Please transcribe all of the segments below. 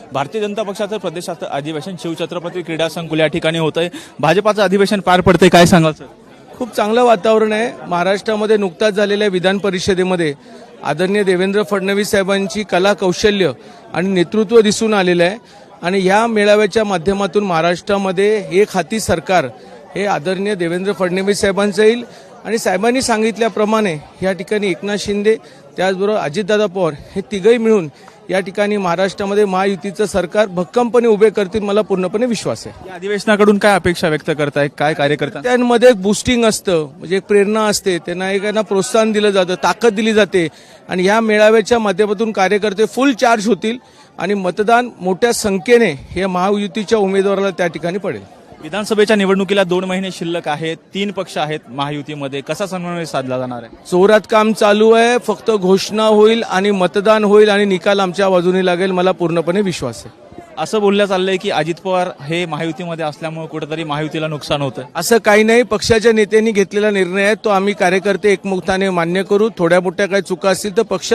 भारतीय जनता पक्षाचं प्रदेशाचं अधिवेशन शिवछत्रपती क्रीडा संकुल या ठिकाणी होतंय. भाजपाचं अधिवेशन पार पडतंय, काय सांगाल सर? खूप चांगलं वातावरण आहे. महाराष्ट्रामध्ये नुकताच झालेल्या विधान परिषदेमध्ये आदरणीय देवेंद्र फडणवीस साहेबांची कला कौशल्य आणि नेतृत्व दिसून आलेलं आहे आणि ह्या मेळाव्याच्या माध्यमातून महाराष्ट्रामध्ये एक हाती सरकार हे आदरणीय देवेंद्र फडणवीस साहेबांचं येईल आणि साहेबांनी सांगितल्याप्रमाणे या ठिकाणी एकनाथ शिंदे त्याचबरोबर अजितदादा पवार हे तिघही मिळून या ठिकाणी महाराष्ट्रामध्ये महायुतीचं सरकार भक्कमपणे उभे करतील, मला पूर्णपणे विश्वास आहे. या अधिवेशनाकडून काय अपेक्षा व्यक्त करताय, काय कार्यकर्ता? त्यांमध्ये एक बूस्टिंग असतं, म्हणजे एक प्रेरणा असते, त्यांना एकांना प्रोत्साहन दिलं जातं, ताकद दिली जाते आणि ह्या मेळाव्याच्या माध्यमातून कार्यकर्ते फुल चार्ज होतील आणि मतदान मोठ्या संख्येने हे महायुतीच्या उमेदवाराला त्या ठिकाणी पडेल. विधानसभेच्या निवडणुकीला 2 महिने शिल्लक आहेत, 3 पक्ष आहेत महायुतीमध्ये, कसा समन्वय साधला जाणार आहे? जोरात काम चालू आहे. फक्त घोषणा होईल आणि मतदान होईल आणि निकाल आमच्या बाजूने लागेल, मला पूर्णपणे विश्वास आहे. असं बोललं चाललंय की अजित पवार हे महायुतीमध्ये असल्यामुळे कुठेतरी महायुतीला नुकसान होतं. असं काही नाही. पक्षाच्या नेत्यांनी घेतलेला निर्णय आहे, तो आम्ही कार्यकर्ते एकमुखाने मान्य करू. थोड्या मोठ्या काही चुका असतील तर पक्ष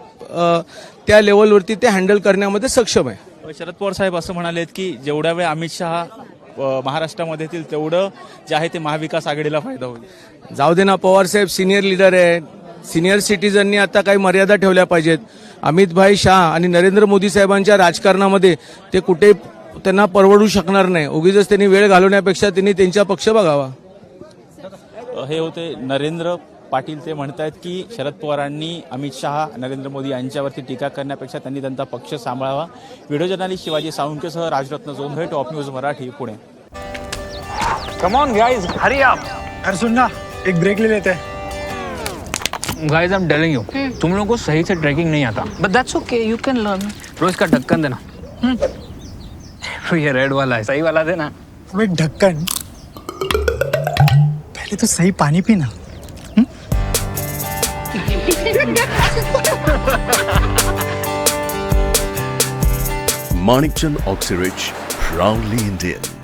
त्या लेवलवरती ते हँडल करण्यामध्ये सक्षम आहे. शरद पवार साहेब असं म्हणालेत की जेवढ्या वेळ अमित शहा महाराष्ट्रामध्ये येतील तेवढं जे आहे ते महाविकास आघाडीला फायदा होईल. जाऊ दे ना, पवार साहेब सिनियर लीडर आहे. सिनियर सिटीजननी आता काही मर्यादा ठेवल्या पाहिजेत. अमितभाई शाह आणि नरेंद्र मोदी साहेबांच्या राजकारणामध्ये ते कुठे त्यांना परवडू शकणार नाही. उगीच त्यांनी वेळ घालवण्यापेक्षा त्यांनी त्यांचा पक्ष बघावा. हे होते नरेंद्र पाटील. ते म्हणतात की शरद पवारांनी अमित शहा नरेंद्र मोदी यांच्यावरती टीका करण्यापेक्षा त्यांनी त्यांचा पक्ष सांभाळावा. व्हिडिओ जर्नलिस्ट शिवाजी साळुंकेसह Rajratna Jondhale, top news Marathi, Pune. Come on guys, hurry up. अरे सुन ना, एक ब्रेक ले लेते हैं. Guys I am telling you, तुम लोगों को सही से ट्रैकिंग नहीं आता. But that's okay, you can learn. रोज का ढक्कन देना. ये रेड वाला है, सही वाला देना. वो एक ढक्कन, पहले तो सही पानी पीना. Manikchand Oxyrich, proudly Indian.